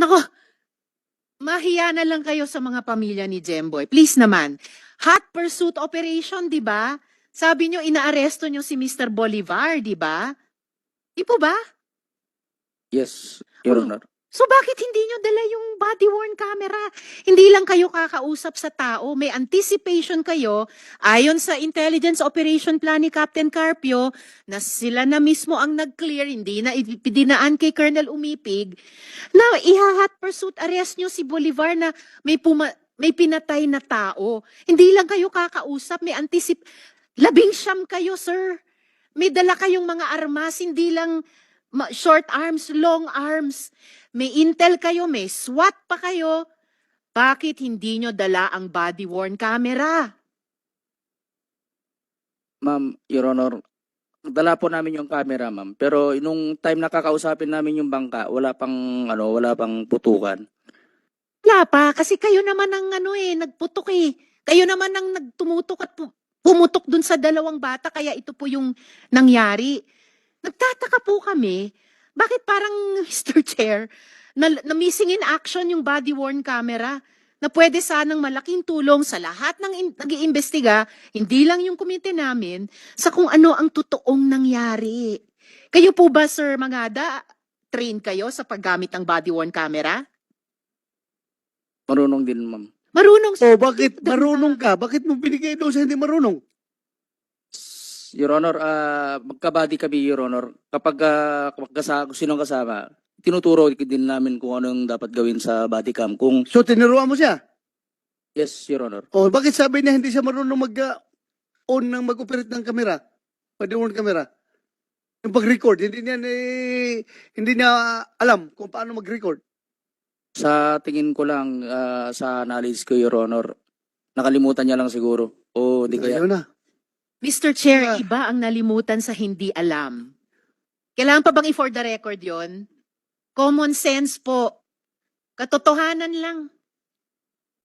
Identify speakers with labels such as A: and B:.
A: Nako, mahiya na lang kayo sa mga pamilya ni Jemboy. Please naman. Hot pursuit operation, di ba? Sabi nyo, inaaresto nyo si Mr. Bolivar, di ba? Di po ba?
B: Yes, Your
A: Oh.
B: Honor.
A: So bakit hindi nyo dala yung body-worn camera? Hindi lang kayo kakausap sa tao, may anticipation kayo, ayon sa intelligence operation plan ni Captain Carpio, na sila na mismo ang nag-clear, hindi na ipinaan kay Colonel Umipig, na iha-hot pursuit arrest nyo si Bolivar na may pinatay na tao. Hindi lang kayo kakausap, may labing-siyam kayo, sir. May dala kayong mga armas, hindi lang short arms, long arms. May intel kayo, may SWAT pa kayo. Bakit hindi nyo dala ang body-worn camera?
B: Ma'am, Your Honor, dala po namin yung camera, ma'am. Pero nung time na kakausapin namin yung bangka, wala pang putukan.
A: Wala pa, kasi kayo naman ang nagputok eh. Kayo naman ang nagtumutok at pumutok dun sa dalawang bata, kaya ito po yung nangyari. Nagtataka po kami, bakit parang Mr. Chair, na missing in action yung body-worn camera na pwede sanang malaking tulong sa lahat ng nag-iimbestiga, hindi lang yung komite namin, sa kung ano ang totoong nangyari. Kayo po ba, Sir Mangada, train kayo sa paggamit ng body-worn camera?
B: Marunong din, ma'am.
A: Marunong
C: O bakit marunong ka? Bakit mo binigay doon sa hindi marunong?
B: Your Honor, magkabady kami, Your Honor. Kapag kung sinong kasama, tinuturo din namin kung ano yung dapat gawin sa body cam. Kung
C: So tinuruan mo siya?
B: yes, Your Honor.
C: O bakit sabi niya hindi siya marunong mag-on ng mag-operate ng camera? Pwede-on camera? Yung pag-record, hindi niya alam kung paano mag-record.
B: Sa tingin ko lang, sa knowledge ko, Your Honor, nakalimutan niya lang siguro. O hindi kaya.
C: Ayaw na.
A: Mr. Chair,
C: Ah.
A: iba ang nalimutan sa hindi alam. Kailangan pa bang i-for the record yon? Common sense po. Katotohanan lang.